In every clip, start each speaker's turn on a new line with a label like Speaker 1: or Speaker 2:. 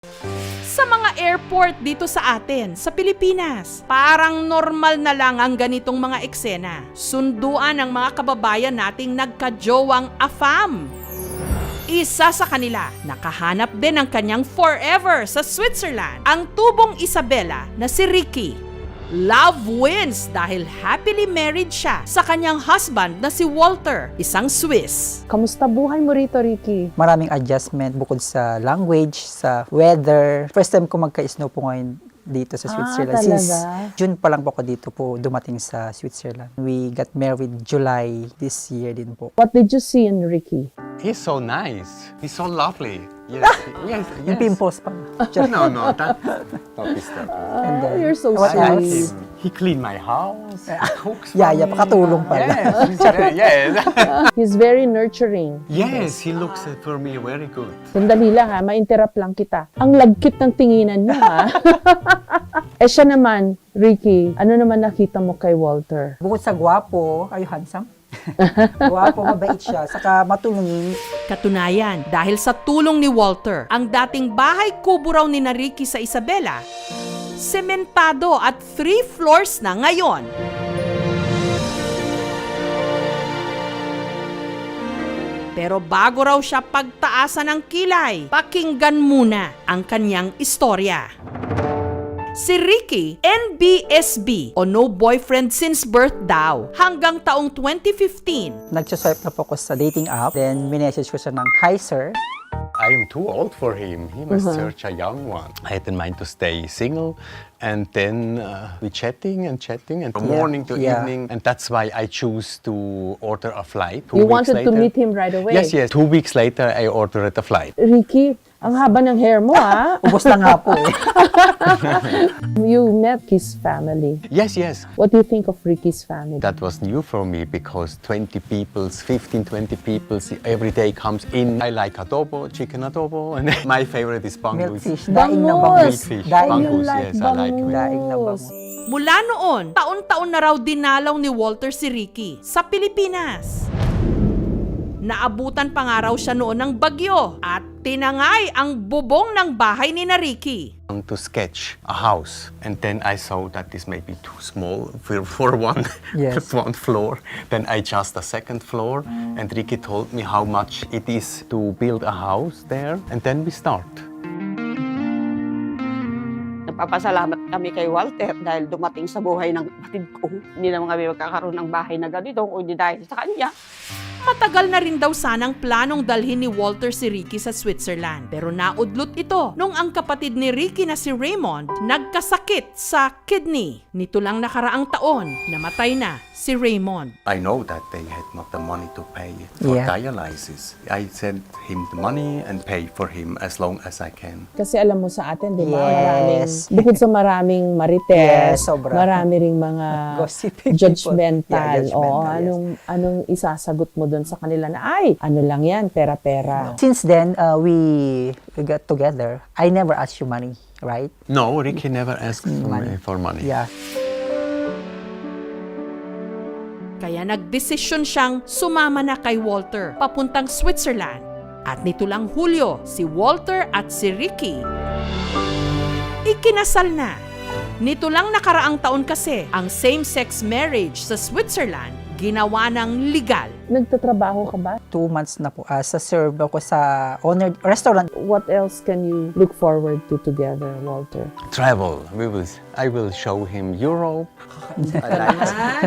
Speaker 1: Sa mga airport dito sa atin, sa Pilipinas, parang normal na lang ang ganitong mga eksena. Sunduan ng mga kababayan nating nagkajowang AFAM. Isa sa kanila, nakahanap din ng kanyang forever sa Switzerland, ang tubong Isabela na si Ricky. Love wins dahil happily married siya sa kanyang husband na si Walter, isang Swiss.
Speaker 2: Kamusta buhay mo rito, Ricky?
Speaker 3: Maraming adjustment bukod sa language, sa weather. First time ko magka-snow po ngayon dito sa Switzerland.
Speaker 2: talaga?
Speaker 3: Since June pa lang po ako dito po dumating sa Switzerland. We got married July this year din po.
Speaker 2: What did you see in Ricky?
Speaker 4: He's so nice. He's so lovely. Yes, yes,
Speaker 3: Yung
Speaker 4: yes.
Speaker 3: pimples pa.
Speaker 4: No, that is that.
Speaker 3: And then,
Speaker 2: You're so
Speaker 3: what
Speaker 4: I like
Speaker 2: sweet.
Speaker 3: else?
Speaker 4: him. He cleaned my house. Cooks for
Speaker 3: Yaya,
Speaker 4: me.
Speaker 3: pakatulong pala.
Speaker 4: Yes,
Speaker 2: He's very nurturing.
Speaker 4: yes, he looks for me very good.
Speaker 2: Sandali lang ha, ma-interrupt lang kita. Ang lagkit ng tinginan niya ha. Siya naman, Ricky, ano naman nakita mo kay Walter?
Speaker 3: Bukod sa gwapo, are you handsome? Gwapo, mabait siya, saka matulungin.
Speaker 1: Katunayan, dahil sa tulong ni Walter, ang dating bahay kubo raw ni Ricky sa Isabela, sementado at 3 floors na ngayon. Pero bago raw siya pagtaasan ng kilay, pakinggan muna ang kanyang istorya. Si Ricky, NBSB o no boyfriend since birth daw, hanggang taong 2015.
Speaker 3: Nagsaswipe na po ako sa dating app. Then, minessage ko siya ng, "Hi, sir."
Speaker 4: I am too old for him. He must search a young one. I had in mind to stay single, and then we chatting and from
Speaker 3: Yeah,
Speaker 4: morning to
Speaker 3: yeah.
Speaker 4: evening, and that's why I choose to order a flight.
Speaker 2: You wanted to meet him right away?
Speaker 4: Yes, yes. 2 weeks later, I ordered a flight.
Speaker 2: Ricky, ang haba ng hair mo ha.
Speaker 3: Ubos na nga po eh.
Speaker 2: You met his family.
Speaker 4: Yes, yes.
Speaker 2: What do you think of Ricky's family?
Speaker 4: That was new for me because 20 people, 15, 20 people every day comes in. I like adobo, chicken adobo, and my favorite is bangus.
Speaker 3: Milkfish, daing ng bangus.
Speaker 4: Milkfish,
Speaker 3: Daing
Speaker 4: bangus,
Speaker 2: like
Speaker 4: yes, I like it.
Speaker 3: Daing ng bangus.
Speaker 1: Mula noon, taon-taon na raw dinalaw ni Walter si Ricky sa Pilipinas. Naabutan pa nga raw siya noon ng bagyo at tinangay ang bubong ng bahay ni Ricky.
Speaker 4: To sketch a house, and then I saw that this may be too small for one,
Speaker 3: Yes.
Speaker 4: one floor. Then I just a second floor, and Ricky told me how much it is to build a house there, and then we start.
Speaker 5: Nagpapasalamat kami kay Walter dahil dumating sa buhay ng kapatid ko. Hindi naman kami magkakaroon ng bahay na ganito kung hindi dahil sa kanya.
Speaker 1: Matagal na rin daw sanang planong dalhin ni Walter si Ricky sa Switzerland. Pero naudlot ito nung ang kapatid ni Ricky na si Raymond nagkasakit sa kidney. Nito lang nakaraang taon, namatay na si Raymond.
Speaker 4: I know that they had not the money to pay for
Speaker 3: Yeah.
Speaker 4: dialysis. I sent him the money and pay for him as long as I can.
Speaker 2: Kasi alam mo sa atin, di ba?
Speaker 3: Yes.
Speaker 2: Bukod sa maraming marites,
Speaker 3: Yes, sobra.
Speaker 2: marami ring mga
Speaker 3: Gossiping people.
Speaker 2: judgmental.
Speaker 3: Yeah, judgmental,
Speaker 2: Oo,
Speaker 3: yes.
Speaker 2: anong isasagot mo doon sa kanila na, ay, ano lang yan, pera-pera.
Speaker 3: Since then, we got together. I never asked you money, right?
Speaker 4: No, Ricky never asked for money.
Speaker 3: Yeah.
Speaker 1: Kaya nagdesisyon siyang sumama na kay Walter papuntang Switzerland. At nito lang Hulyo, si Walter at si Ricky ikinasal na. Nito lang nakaraang taon kasi ang same-sex marriage sa Switzerland ginawa ng legal.
Speaker 2: Nagtatrabaho ka ba?
Speaker 3: 2 months na po. Sa serve ako sa owner restaurant.
Speaker 2: What else can you look forward to together, Walter?
Speaker 4: Travel. I will show him Europe. I like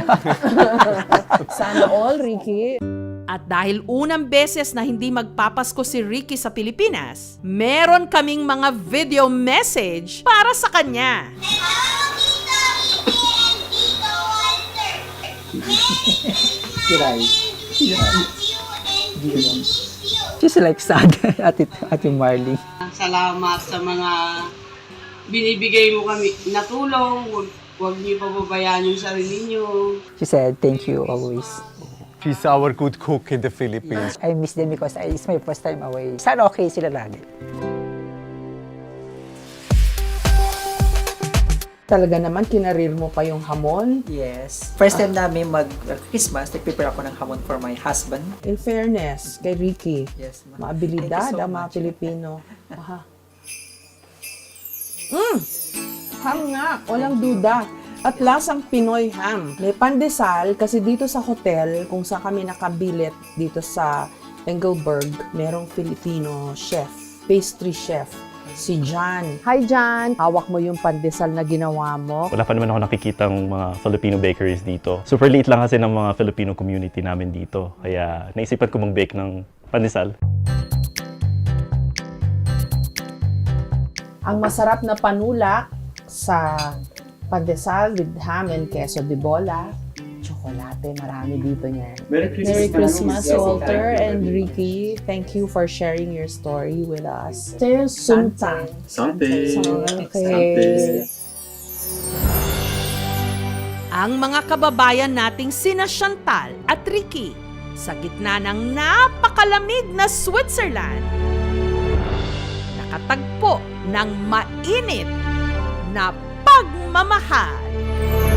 Speaker 2: Sana all, Ricky.
Speaker 1: At dahil unang beses na hindi magpapasko si Ricky sa Pilipinas, meron kaming mga video message para sa kanya.
Speaker 3: She's like sad, Ate Marley.
Speaker 5: Salamat sa mga binibigay mo kami na tulong. Huwag niyo pababayaan yung sarili niyo.
Speaker 3: She said, "Thank you always."
Speaker 4: She's our good cook in the Philippines.
Speaker 3: I miss them because it's my first time away. Sana okay sila lagi.
Speaker 2: Talaga naman, kinarir mo pa yung hamon.
Speaker 3: Yes. First time namin mag-Christmas, nag-prepare ako ng hamon for my husband.
Speaker 2: In fairness, kay Ricky,
Speaker 3: Yes, ma'am.
Speaker 2: maabilidad
Speaker 3: Thank you so
Speaker 2: ang mga
Speaker 3: much.
Speaker 2: Pilipino. Aha. Ham nga, walang duda. At lasang Pinoy ham. May pandesal kasi dito sa hotel, kung saan kami nakabilit dito sa Engelberg, merong Filipino chef, pastry chef, si John. Hi John! Hawak mo yung pandesal na ginawa mo.
Speaker 6: Wala pa naman ako nakikitang mga Filipino bakeries dito. Super liit lang kasi ng mga Filipino community namin dito. Kaya naisipan ko mag-bake ng pandesal.
Speaker 2: Ang masarap na panulak sa pandesal with ham and queso de bola. Tsokolate, marami dito niyan. Merry Christmas, Walter and Ricky. Thank you for sharing your story with us. Sunta. Okay.
Speaker 1: Ang mga kababayan nating sina Chantal at Ricky sa gitna ng napakalamig na Switzerland. Nakatagpo ng mainit na pagmamahal.